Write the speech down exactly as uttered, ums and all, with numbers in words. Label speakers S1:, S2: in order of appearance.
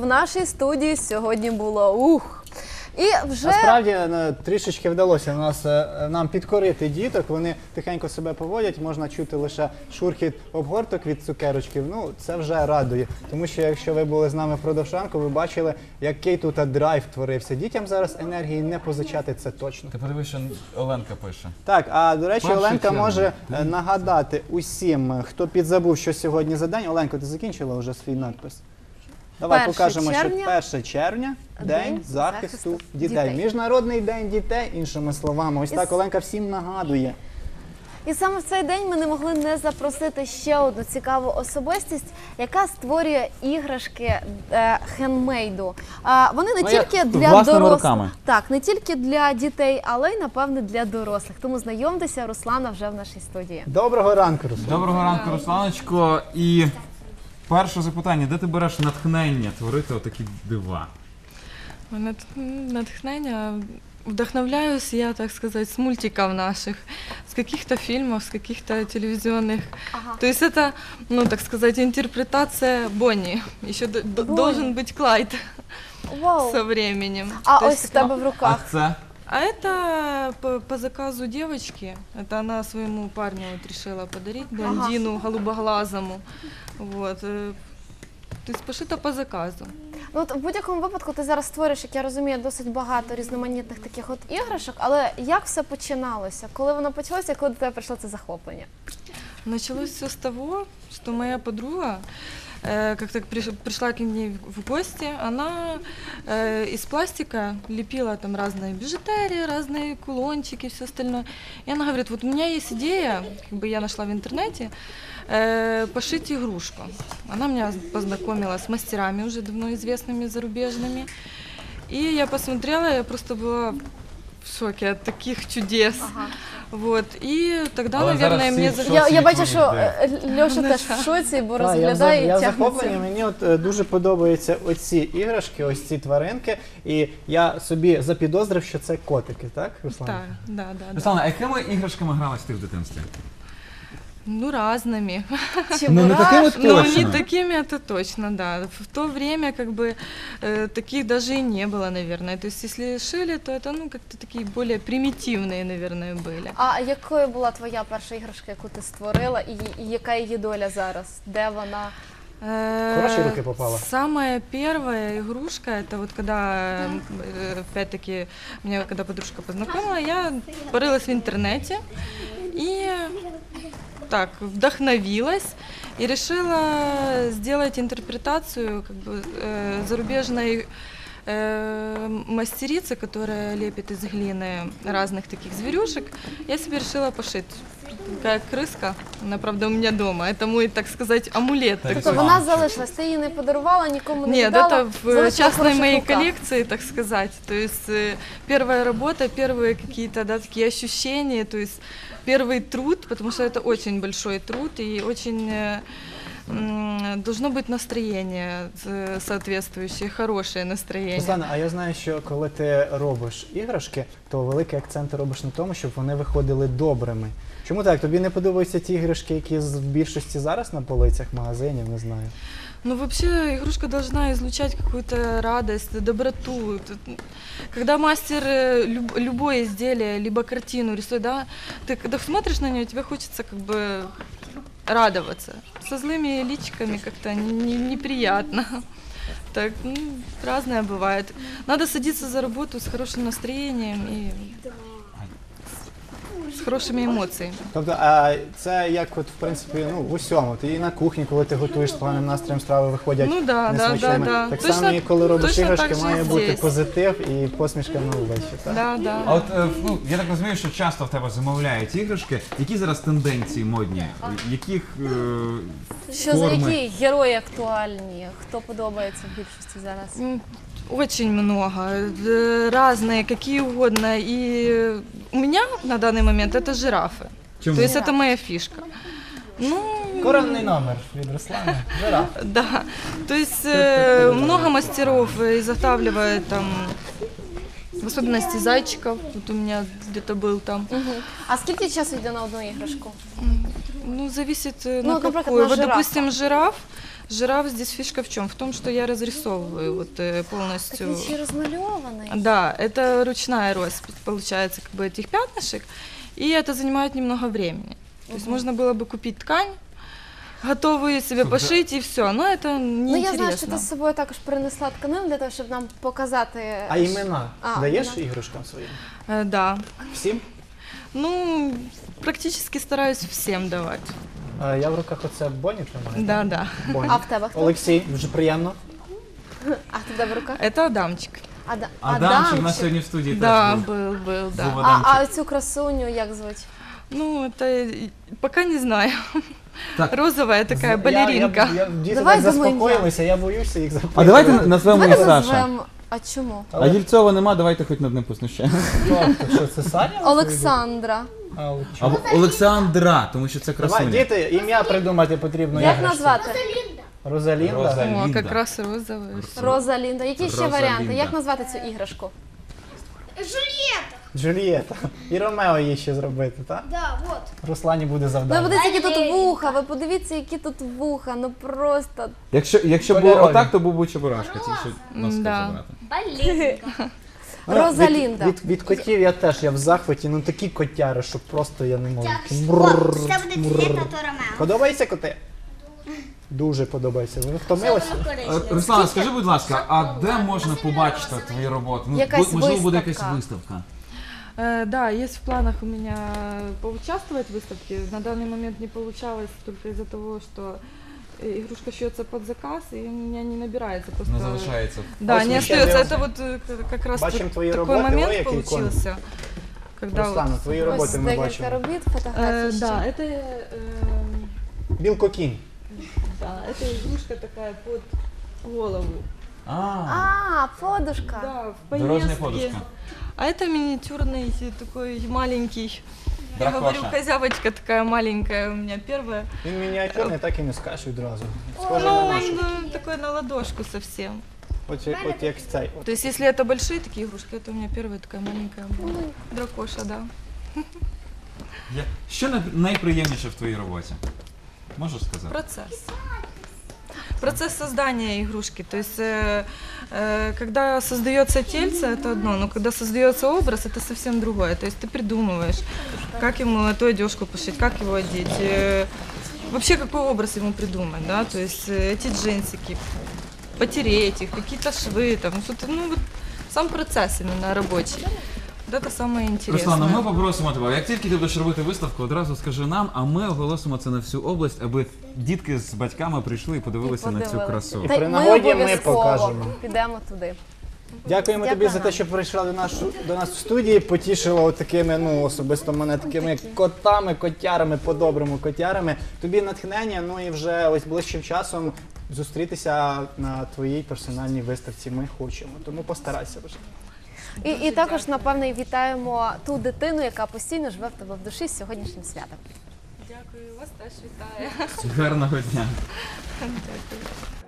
S1: в нашій студії сьогодні було ух. І вже...
S2: Насправді трішечки вдалося нас, нам підкорити діток, вони тихенько себе поводять, можна чути лише шурхіт обгорток від цукерочків, ну це вже радує. Тому що якщо ви були з нами впродовж ранку, ви бачили, який тут драйв творився. Дітям зараз енергії не позичати, це точно.
S3: Ти подивись, що Оленка пише.
S2: Так, а до речі,
S3: Перший
S2: Оленка
S3: червня.
S2: може нагадати усім, хто підзабув, що сьогодні за день. Оленко, ти закінчила вже свій надпис? Давай
S1: перше
S2: покажемо,
S1: червня,
S2: що перше червня – День захисту
S1: захисту
S2: дітей.
S1: дітей.
S2: Міжнародний день дітей, іншими словами. Ось
S1: І
S2: так
S1: с-
S2: Оленка всім нагадує.
S1: І саме в цей день ми не могли не запросити ще одну цікаву особистість, яка створює іграшки е, хендмейду. А, вони не
S3: Ну, як
S1: тільки для
S3: власними
S1: дорослих,
S3: руками.
S1: так, не тільки для дітей, але й напевне для дорослих. Тому знайомтеся, Руслана вже в нашій студії.
S2: Доброго ранку, Руслан.
S3: Доброго ранку, Русланочко. І перше запитання, де ти береш натхнення творити отакі дива?
S4: Нат- Натхнення. Вдохновляюсь я, так сказать, с мультиков наших, с каких-то фильмов, с каких-то телевизионных.
S1: Ага.
S4: То есть это, ну, так сказать, интерпретация Бонни. Еще д- д-
S1: Бонни.
S4: должен быть Клайд
S1: Вау.
S4: со временем.
S1: А
S4: То
S1: ось
S4: есть
S1: в тебе в
S3: А
S1: руках.
S3: це?
S4: А это по, по заказу девочки. Это она своему парню вот решила подарить, блондину голубоглазому. Вот. э, То есть пошито по заказу.
S1: Ну, от в будь-якому випадку ти зараз створюєш, як я розумію, досить багато різноманітних таких от іграшок, але як все починалося? Коли воно почалося, коли до тебе прийшло це захоплення?
S4: Началось все с того, что моя подруга э, как-то приш- пришла к ней в гости, она э, из пластика лепила там разные бижутерии, разные кулончики, все остальное. И она говорит, вот у меня есть идея, как бы я нашла в интернете, э, пошить игрушку. Она меня познакомила с мастерами уже давно известными зарубежными. И я посмотрела, я просто была в шоке от таких чудес.
S1: Ага.
S4: Вот. И тогда,
S3: Але
S4: наверное,
S3: зараз
S4: мне...
S3: всі
S4: за-
S3: в
S1: Я,
S3: шоці
S1: я
S3: від
S1: бачу,
S3: твоїх
S1: що
S3: ідей.
S1: е, Льоша теж в шоці, бо
S2: Так, я, в
S1: розглядає
S2: за-
S1: і
S2: я
S1: тягнеться.
S2: захоплений, мені от е, дуже подобаються оці іграшки, ось ці тваринки. І я собі запідозрив, що це котики, так, Руслан?
S4: Да, да, да, да.
S3: Руслана, а якими іграшками гралась ти в дитинстві?
S4: Ну, разными.
S3: Ну, не такими
S4: Ну, не
S3: точно.
S4: такими, это точно, да. В то время, как бы, э, таких даже и не было, наверное. То есть, если шили, то это, ну, как-то такие более примитивные, наверное, были.
S1: А якою була твоя перша іграшка, яку ти створила, і, і яка її доля зараз? Де вона?
S4: Э,
S2: Хорошие руки попала.
S4: Самая первая игрушка, это вот когда, э, опять-таки, меня когда подружка познакомила, я порылась в интернете и так вдохновилась и решила сделать интерпретацию как бы, э, зарубежной э, мастерицы, которая лепит из глины разных таких зверюшек. Я себе решила пошить. Такая крыска, она, правда, у меня дома. Это мой, так сказать, амулет.
S3: Так,
S4: такой.
S1: Тобто вона залишилась, ти її не подарувала, нікому не
S4: Нет,
S1: віддала?
S4: это в
S1: залишила в
S4: частной
S1: хороших
S4: моей
S1: руках.
S4: коллекции, так сказать. То есть э, первая работа, первые какие-то, да, такие ощущения, то есть первый труд, потому что это очень большой труд и очень э, м, должно быть настроение э, соответствующее, хорошее настроение.
S2: Руслана, а я знаю, що коли ти робиш іграшки, то великий акцент ти робиш на тому, щоб вони виходили добрими. Чому так? Тобі не подобаються ті іграшки, які з- в більшості зараз на полицях магазинів, не знаю.
S4: Ну, вообще, игрушка должна излучать какую-то радость, доброту. Т- Когда мастер э, люб- любое изделие, либо картину рисует, да, ты когда смотришь на нее, тебе хочется как бы радоваться. Со злыми личиками как-то не- не- неприятно. Так, ну, разное бывает. Надо садиться за работу с хорошим настроением и с хорошими эмоциями.
S2: Тобто, а це як от, в принципі, ну, в усьому. Ти і на кухні, коли ти готуєш з поганим настроєм, страви виходять
S4: Ну да, да,
S2: несмачними.
S4: да, да.
S2: Так
S4: Точно-
S2: само і коли робиш
S4: точно
S2: іграшки,
S4: так же
S2: має
S4: і
S2: бути
S4: здесь.
S2: позитив і посмішка на обличчі. Так?
S4: Да, да.
S3: А от, е, ну, я так розумію, що часто в тебе замовляють іграшки. Які зараз тенденції модні? Яких е,
S1: Що за
S3: форми?
S1: які герої актуальні? Хто подобається в більшості зараз?
S4: М, Очень много, э, разные, какие угодно. И у меня на данный момент это жирафы.
S3: Чому?
S4: То есть это моя фишка. Ну,
S2: Коронний номер від Руслана. Жираф.
S4: да. То есть э, много мастеров изготавливает там, в особенности зайчиков. Вот у меня где-то был там.
S1: Угу. А скільки часу йде на одну іграшку?
S4: Ну, зависит э,
S1: Ну,
S4: на
S1: вот, например,
S4: какую.
S1: на
S4: Вот,
S1: жирафа.
S4: допустим, жираф. Жираф здесь фишка в чем? В том, что я разрисовываю вот э,
S1: Так
S4: полностью.
S1: він ще й розмальований.
S4: Да, это ручная роспись, получается, как бы этих пятнышек, и это занимает немного времени. То есть можно было бы купить ткань, готовую себе
S3: Слушай,
S4: пошить и все, но это
S1: Ну, я знаю, що
S4: неинтересно.
S1: ти з собою також принесла тканину для того, щоб нам показати.
S2: А імена
S1: А,
S2: даєш
S1: імена.
S2: іграшкам своїм?
S4: Э, да.
S2: Всім?
S4: Ну, практически стараюсь всем давать.
S2: А, я в руках оце Бонні тримаю.
S4: Да, да.
S2: Бонні.
S1: А в тебе хто?
S2: Олексій, дуже приємно.
S1: А в тебе в руках?
S4: Это Адамчик.
S1: Ада...
S3: Адамчик у нас сьогодні в студії
S4: Да,
S3: теж був.
S4: был, был, да.
S3: Був
S1: А,
S3: Адамчик.
S1: а цю красуню як звуть?
S4: Ну, это и- пока не знаю.
S3: Так.
S4: Розовая такая балеринка.
S2: Я, я, я, діти
S1: Давай
S2: так
S1: думаємо,
S2: заспокоїлися, я боюся їх запитати.
S3: А давайте назвемо її
S1: Давай
S3: Саша.
S1: назвемо. А чому?
S3: А Єльцова нема, давайте хоч над ним поснущаємо.
S2: Тобто, що це Саня?
S1: Олександра.
S2: А, от чому?
S3: Або Олександра, тому що це
S2: Давай,
S3: красуня.
S2: діти, ім'я придумати потрібно.
S1: Як
S2: іграшці.
S1: назвати?
S2: Розалінда?
S3: Розалінда.
S4: О, как раз розовая.
S1: Розалінда. Які ще
S3: Розалінда.
S1: варіанти? Як назвати цю іграшку?
S2: Джулієта. І Ромео їй ще зробити, так?
S5: Да, вот.
S2: Руслані буде
S1: Ви
S2: завдання.
S1: подивіться, які тут вуха, ви подивіться, які тут вуха, ну просто.
S3: Якщо, якщо
S2: Кольорові.
S3: було отак, то був би Чебурашка, ті, що носки
S4: Да.
S3: забрати.
S5: Балеринка.
S2: Ну,
S1: Розалінда.
S2: Від, від, від котів я теж, я в захваті, ну такі котяри, що просто я не можу.
S5: Вот,
S2: Брррр,
S5: це буде
S2: брррр.
S5: цвіт на Ромео.
S2: Подобається коти? Дуже подобається. Ви втомилися?
S3: Е, Руслана, скажи, будь ласка, а де можна побачити твої роботи? Ну,
S1: Якась
S3: бу- можливо, буде
S1: виставка.
S3: якась виставка.
S4: Э, Да, есть в планах у меня поучаствовать в выставке. На данный момент не получалось только из-за того, что э, игрушка шьется под заказ, и у меня не набирается просто.
S3: Не залишається.
S4: Да,
S2: Ось
S4: не
S2: ми ще
S4: остается.
S2: не-
S4: Это вот э, к- как раз
S2: Бачимо
S4: вот
S2: твої
S4: такой
S2: роботи,
S4: момент
S2: ой, який
S4: получился. Когда вот-
S2: Руслана, твої
S1: Ось
S2: роботи ми
S1: декілька
S2: бачимо.
S1: робіт,
S4: Э,
S1: фотографій ще.
S4: да, это, э,
S2: Білкокінь.
S4: да, это игрушка такая под голову.
S3: А,
S1: А, подушка.
S4: Да, в
S3: дорожня
S4: поездке.
S3: подушка.
S4: А это миниатюрный э, такой маленький. Я
S3: Дракоша.
S4: говорю, козявочка такая маленькая у меня первая.
S2: Він мініатюрний, так і не скажеш відразу. Схоже
S4: Ну,
S2: на
S4: он
S2: нашу.
S4: э, такой на ладошку совсем.
S2: От, як- от як цей. От.
S4: То есть, если это большие такие игрушки, это у меня первая такая маленькая была. Дракоша, да.
S3: Я- Що най- найприємніше в твоїй роботі? Можеш сказати?
S4: Процесс. Процесс создания игрушки. То есть, э, э, когда создается тельце, это одно, но когда создается образ, это совсем другое. То есть ты придумываешь, как ему эту одежку пошить, как его одеть, э, вообще какой образ ему придумать, да, то есть э, эти джинсики, потереть их, какие-то швы, там, что-то, ну, вот сам процесс именно рабочий. Вот это самое интересное.
S3: Руслана, ми попросимо тебе, як тільки ти будеш робити виставку, одразу скажи нам, а ми оголосимо це на всю область, аби дітки з батьками прийшли і подивилися на цю
S1: Подивилися.
S3: красу.
S1: Та й
S2: При
S1: ми
S2: нагоді ми
S1: обов'язково
S2: покажемо.
S1: підемо туди.
S2: Дякуємо тобі
S1: Дякую
S2: за те,
S1: вам.
S2: що прийшла до нас, до нас в студії, потішила от такими, ну особисто мене такими котами, котярами, по-доброму котярами. Тобі натхнення, ну і вже ось ближчим часом зустрітися на твоїй персональній виставці. Ми хочемо, тому постарайся вже.
S1: І, і також, напевне, вітаємо ту дитину, яка постійно живе в тебе в душі з сьогоднішнім святом.
S4: Дякую, вас теж вітаю.
S3: Гарного дня.
S4: Дякую.